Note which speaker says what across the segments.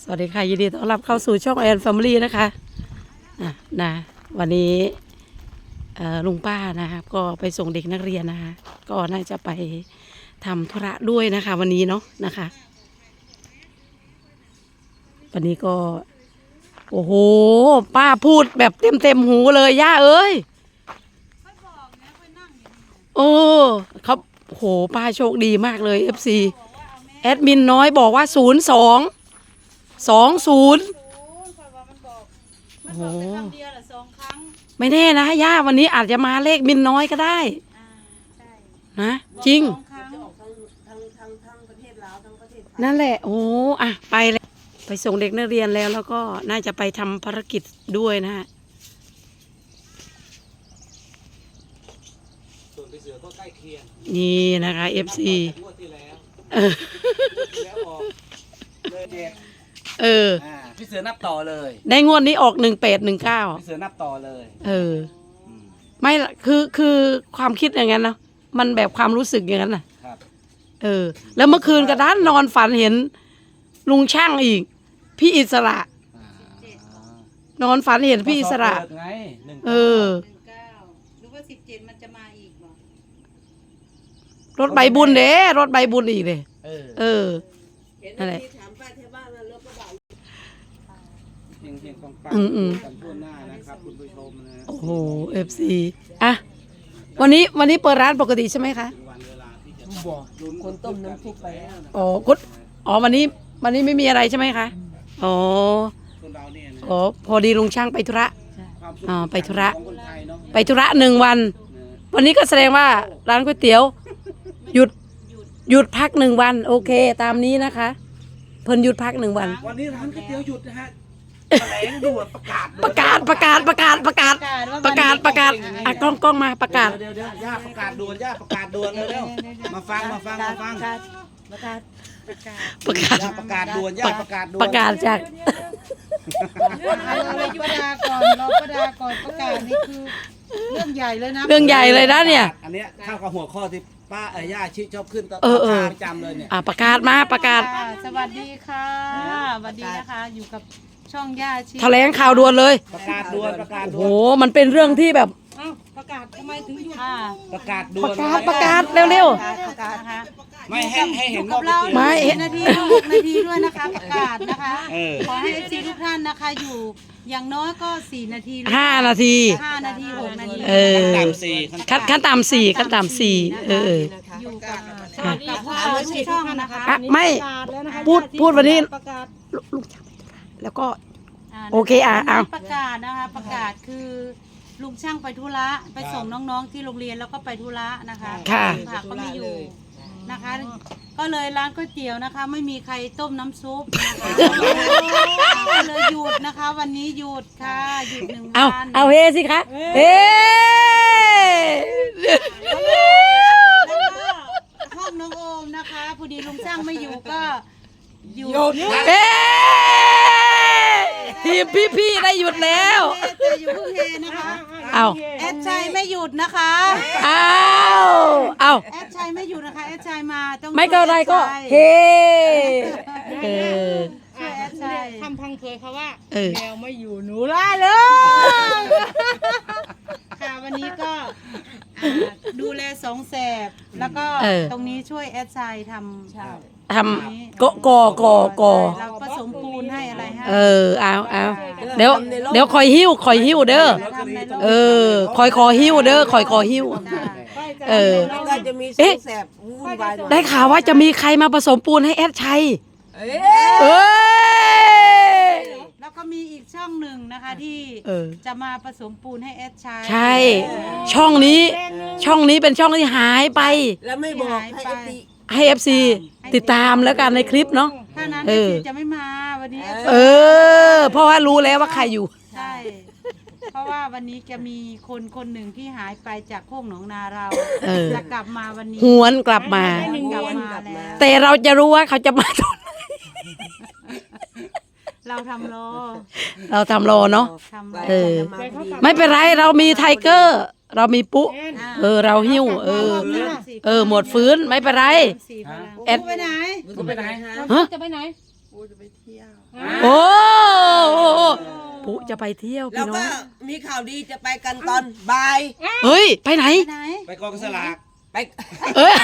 Speaker 1: วัสดีค่ะยินดีต้อนรับเข้าสู่ช่องแอนแฟมิลี่นะคะนะวันนี้ลุงป้านะครับก็ไปส่งเด็กนักเรียนนะคะก็น่าจะไปทำธุระด้วยนะคะวันนี้เนาะนะคะวันนี้ก็โอ้โหป้าพูดแบบเต็มหูเลยย่าเอ้ยโอ้เขาโหป้าโชคดีมากเลย FC แอดมินน้อยบอกว่า0220โอ้โหไม่แน่นะย่าวันนี้อาจจะมาเลขมินน้อยก็ได้นะจริงนั่นแหละโอ้อะไปเลยไปส่งเด็กนักเรียนแล้วก็น่าจะไปทำภารกิจด้วยนะฮะส่วนไปเสือก็ใกล้เคียงนี่นะคะ FC
Speaker 2: พี่เสือนับต่อเลย
Speaker 1: ในงวดนี้ออก1819
Speaker 2: พี่เสือนับต่อเลย
Speaker 1: ไม่คือความคิดอย่างนั้นเนาะมันแบบความรู้สึกอย่างนั้นน่ะแล้วเมื่อคืนกระด้านนอนฝันเห็นลุงช่างอีกพี่อิสระนอนฝันเห็นพี่อิสระ
Speaker 2: ไง
Speaker 1: หรือ
Speaker 3: ว่า17มันจะมาอีกบ่
Speaker 1: รถใบบุญเด้รถใบบุญอีกเลยนั่นแหละ
Speaker 2: เฮงๆปังๆกันทั่วหน้านะครับคุณผู้ชมนะ
Speaker 1: โอ้โห FC อ่ะวันนี้เปิดร้านปกติใช่ไหมคะ
Speaker 3: คนต้มน้ำซุปไป
Speaker 1: อ๋อวันนี้ไม่มีอะไรใช่ไหมคะอ๋อพอดีลุงช่างไปธุระไปธุระ1 วันวันนี้ก็แสดงว่าร้านก๋วยเตี๋ยวหยุดพัก1 วันโอเคตามนี้นะคะเพิ่นหยุดพัก1 วัน
Speaker 2: วันนี้ร้านก๋วยเตี๋ยวหยุดนะฮะแถลงด่วนประกาศ
Speaker 1: อ่ะกล้องมาประกาศ
Speaker 2: เดี๋ยวย่าประกาศด่วนย่าประกาศด่วนเร็วมาฟัง
Speaker 3: ประกาศ
Speaker 2: ย่าประกาศด่วนย่าประกาศด่วน
Speaker 1: ประกาศจาก
Speaker 3: รอประดาก่อนประกาศนี่คือเรื่องใหญ่เลยนะ
Speaker 1: เรื่องใหญ่เลยนะเนี่ย
Speaker 2: อันนี้เข้ากับหัวข้อที่ป้าย่าชิชอบขึ้นตประจำเลยเนี่ย
Speaker 1: ประกาศมาประกาศ
Speaker 3: สวัสดีค่ะสวัสดีนะคะอยู่กับช่องย่าชิ
Speaker 1: แถลงข่าวด่วนเลย
Speaker 2: ประกาศด่วน
Speaker 1: โอ้มันเป็นเรื่องที่แบบ
Speaker 3: ประกาศทำไมถึงหยุด
Speaker 2: ประกาศด่วน
Speaker 1: ประกาศเร็ว
Speaker 2: ไม่ให้เห็น
Speaker 3: กับเรา6 นาที6 นาทีด้วยนะคะประกาศนะคะขอให้ซีทุกท่านนะคะอยู่อย่างน้อยก็4 นาที
Speaker 1: 5 นาที
Speaker 3: 5 นาที6 นาที
Speaker 1: ขั้นต่ำ4อยู่กับ
Speaker 3: ช่องนะคะ
Speaker 1: ไม่พูดวันนี้ลุงช่างไปธุระแล้วก็โอเคเอา
Speaker 3: ประกาศนะคะประกาศคือลุงช่างไปธุระไปส่งน้องๆที่โรงเรียนแล้วก็ไปธุระนะคะผักก็ไม่อยู่นะคะก็เลยร้านก๋วยเตี๋ยวนะคะไม่มีใครต้มน้ำซุปนะคะก็เลยหยุดนะคะวันนี้หยุดค่ะหยุด1 วัน
Speaker 1: เอาเฮสิคะเฮ
Speaker 3: ห้องน้องโอมนะคะพอดีลุงช่างไม่อยู่ก็หยุด
Speaker 1: ทีมพี่ได้หยุดแล้ว
Speaker 3: แต่อยู่เฮนะคะแอดชัยไม่หยุดนะคะแอดชัยไม่หยุดนะคะแอดชัยมาต้อง
Speaker 1: ไม่ก็อะไรก็เฮ
Speaker 3: แอดชัย
Speaker 4: ทำพังเพยเขาว่าแมวไม่อยู่หนูล่าเลย
Speaker 3: ค่ะวันนี้ก็ดูแล2 แสบแล้วก็ตรงนี้ช่วยแอดชัยทำ
Speaker 1: ก่อ
Speaker 3: เราผสมปูนให้อะไรให้
Speaker 1: เอาเดี๋ยวคอยหิ้วเด้อคอหิ้วเด้อคอหิ้วได้ข่าวว่าจะมีใครมาผสมปูนให้แอดชัย
Speaker 3: แล้วก็มีอีกช่องหนึ่งนะคะที่จะมาผสมปูนให้แอดชัย
Speaker 1: ใช่ช่องนี้เป็นช่องที่หายไป
Speaker 4: แล้วไม่บอก
Speaker 1: ให้ FC ติดตามแล้วกันในคลิปเนาะ
Speaker 3: ถ้านั้น FC จะไม่มาวันนี้
Speaker 1: เพราะว่ารู้แล้วว่าใครอยู่
Speaker 3: ใช่เพราะว่าวันนี้จะมีคนหนึ่งที่หายไปจากโคกหนองนาเราจะกลับมาวันนี้
Speaker 1: หวนกลับมาแต่เราจะรู้ว่าเขาจะมาตอนไหน
Speaker 3: เราทำ
Speaker 1: รอเนาะไม่เป็นไรเรามีไทเกอร์เรามีปุ๊เราหิ้วหมดฟื้นไม่เป็นไร
Speaker 3: แอดไปไหน
Speaker 4: จะไปไหนปูจะไปเที่ยว
Speaker 1: โอ้ปุ๊จะไปเที่ยว
Speaker 5: แล้ว
Speaker 1: พี่น้
Speaker 5: ก็
Speaker 1: อง
Speaker 5: มีข่าวดีจะไปกันตอนบ่าย
Speaker 1: เฮ้ยไปไหน
Speaker 3: ไหน
Speaker 2: ไปกองสลาก
Speaker 5: ไป
Speaker 1: เอ้ย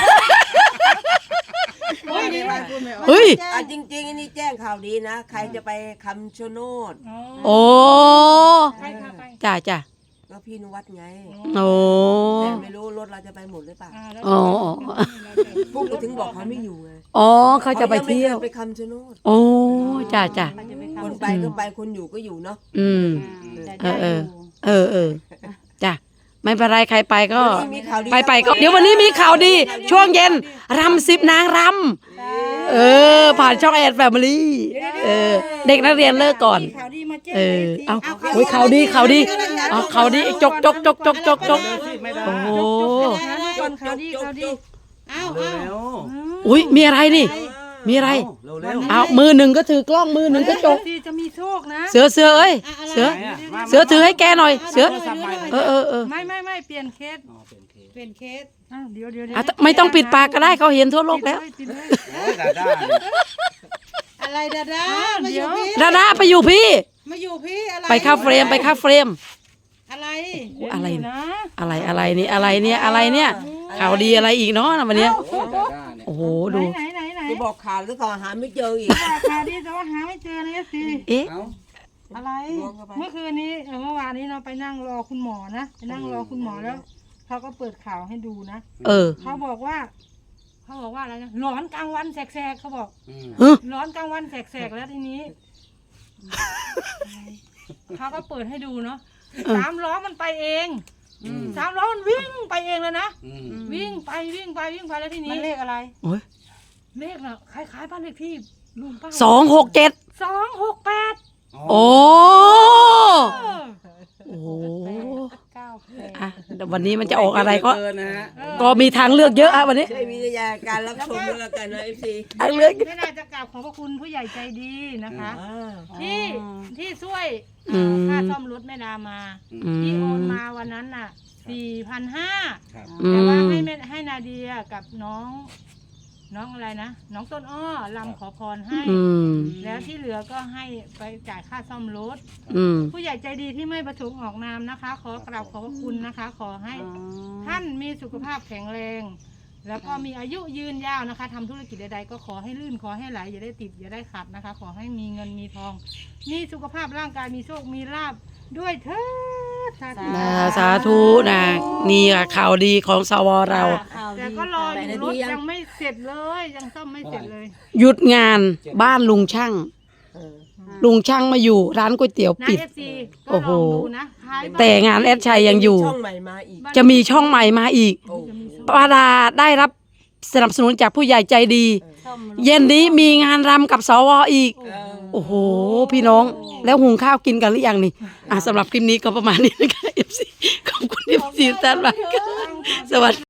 Speaker 4: พูดไม่ออก
Speaker 1: เฮ้ย
Speaker 5: อ่ะจริงๆอันนี้แจ้งข่าวดีนะ ใครจะไปคำชะโนด
Speaker 1: โอ้
Speaker 4: ไปค่ะไป
Speaker 1: จ้าจ้า
Speaker 5: ก็พี่นุวัดไง
Speaker 1: โอ้
Speaker 5: แต่ไม่รู้รถเราจะไปหมดหรือเปล่า
Speaker 1: อ๋อ
Speaker 5: พวกกูถึงบอกเขาไม่อยู่ไง
Speaker 1: อ๋อเขาจะไปเที่ยว
Speaker 5: ขางม่คไปคำชะโนด
Speaker 1: โอ้จ้าจ้า
Speaker 3: เขาจะไป
Speaker 5: คน
Speaker 3: ทำ
Speaker 5: ไปก็ไปคนอยู่ก็อยู่เนาะ
Speaker 1: อืม
Speaker 3: แต่
Speaker 1: เอ
Speaker 3: ได้
Speaker 1: อ
Speaker 3: อยู่
Speaker 1: เออจ้ะไม่เป็นไรใครไปก็
Speaker 5: วันนี้มีข่าวดี
Speaker 1: ไปก็เดี๋ยววันนี้มีข่าวดี ช่วงเย็นรำ10 นางรำผ่านช่องแอนแฟมิลี่เด็กนักเรียนเลิกก่อน
Speaker 4: ข่าวดีมาแจ้ง
Speaker 1: เอาโอ้ยข่าวดีข่าวดีเอาข่าวดีจก
Speaker 2: เดี๋ยวสิไม่ได้
Speaker 1: โอ้โห
Speaker 4: ก่อนข่าวดีข่าวดี
Speaker 3: อ้าว
Speaker 2: เร็
Speaker 3: อ้าว
Speaker 2: ว
Speaker 1: อุ้ยมีอะไรนี่ มีอะไร
Speaker 2: เร็วเร็ว
Speaker 1: เอามือหนึ่งก็ถือกล้องมือหนึ่งก็จก
Speaker 4: จะมีโชคนะ
Speaker 1: เสือเอ้ยเสือถือให้แกหน่อยเสือไม่
Speaker 4: เปลี่ยนเคส
Speaker 2: อ๋อเป็นเคส
Speaker 3: เป็นเคส
Speaker 4: อ้าวเดี๋ยว
Speaker 1: ไม่ต้องปิดปากก็ได้เขาเห็นทั่วโลกแล้ว
Speaker 4: ปิดเลย
Speaker 2: โอ้ยดาด้าเนี่ย
Speaker 3: อะไรดาดามาอยู่พี่
Speaker 1: ดาดาไปอยู่พี่
Speaker 3: มาอยู่พี่อะไร
Speaker 1: ไปเข้าเฟรม
Speaker 3: อะไร
Speaker 1: อะไร
Speaker 4: นะ
Speaker 1: อะไรเนี่ยข่าวดีอะไรอีกเนาะวันเนี้ย
Speaker 2: โอ้ยดาด้าเนี่ย
Speaker 1: โอ้โหดู
Speaker 4: ไหน
Speaker 5: จะบอกข่าวหรือข่าวหาไม่เจออีก
Speaker 4: ข่าวดีแต่ว่าหาไม่เจอเลยสิ
Speaker 1: เอ๊ะ
Speaker 2: เอ้า
Speaker 3: อะไร
Speaker 5: ล้วงเข้าไป
Speaker 4: เมื่อคืนนี้เมื่อวานนี้เราไปนั่งรอคุณหมอนะไปนั่งรอคุณหมอแล้วเขาก็เปิดข่าวให้ดูนะ เขาบอกว่าอะไรนะร้อนกลางวันแสกๆเขาบอก
Speaker 2: อืม
Speaker 4: ร้อนกลางวันแสกๆแล้วทีนี้เขาก็เปิดให้ดูเนาะ3 ล้อมันไปเอง3 ล้อมันวิ่งไปเองเลยนะ
Speaker 2: อืม
Speaker 4: วิ่งไปแล้วที
Speaker 3: มั
Speaker 4: นี้
Speaker 3: นเลขอะไร
Speaker 4: เลขน่ะคล้ายๆบ้านเลขที่ลุงป้า
Speaker 1: 267
Speaker 4: 268
Speaker 1: โอ้
Speaker 4: เออ
Speaker 1: โอ้
Speaker 3: 98
Speaker 1: อ่ะวันนี้มันจะออกอะไรก็
Speaker 2: เกินนะฮะ
Speaker 1: ก็มีทางเลือกเยอะอะวันนี้
Speaker 5: ใช้วิทยาการรับชมด้วยแล้วกันนะเอฟซี
Speaker 1: ทางเลือก
Speaker 4: ไม่น่าจะกราบขอบพระคุณผู้ใหญ่ใจดีนะคะ ที่ช่วยค่าซ่อมรถแม่ดามา ที่โอนมาวันนั้นน่ะ 4,500
Speaker 2: ครับ
Speaker 1: อื
Speaker 4: แต่ว่าม ให้นาเดียกับน้องอะไรนะน้องต้นอ้อลำขอพรให้
Speaker 1: อืม
Speaker 4: แล้วที่เหลือก็ให้ไปจ่ายค่าซ่อมรถ
Speaker 1: อืม
Speaker 4: ผู้ใหญ่ใจดีที่ไม่ประสงค์ออกนามนะคะ ขอกราบขอบพระคุณนะคะ ขอให้ท่านมีสุขภาพแข็งแรง แล้วก็มีอายุยืนยาวนะคะทำธุรกิจใดๆก็ขอให้ลื่นขอให้ไหลอย่าได้ติดอย่าได้ขัดนะคะ ขอให้มีเงินมีทอง มีสุขภาพร่างกายมีโชคมีลาภด้วยเถิดสาธุ
Speaker 1: สาธุนะนี่อะข่าวดีของสวเรา
Speaker 4: แต่ก็รออยู่รถยังไม่เสร็จเลยยังซ่อมไม่เสร็จเลย
Speaker 1: หยุดงานบ้านลุงช่าง ลุงช่างมาอยู่ร้านก๋วยเตี๋ยว
Speaker 4: นะ
Speaker 1: ปิด
Speaker 4: เอฟซีก็
Speaker 1: โอ้
Speaker 4: ล
Speaker 1: โห
Speaker 4: องดูนะคล้ายบ้าน
Speaker 1: แต่งานแอดชัยยังอยู่
Speaker 5: ช่องใหม่มาอีก
Speaker 1: จะมีช่องใหม่มาอีก
Speaker 5: โอ้
Speaker 1: ป้าดาได้รับสนับสนุนจากผู้ใหญ่ใจดี เย็นนี้มีงานรำกับสวอีก โอ้โห พี่น้อง แล้วหุงข้าวกินกันหรือยังนี่สำหรับคลิปนี้ก็ประมาณนี้นะคะ FC ขอบคุณ FC ท่านมากค่ะสวัสดี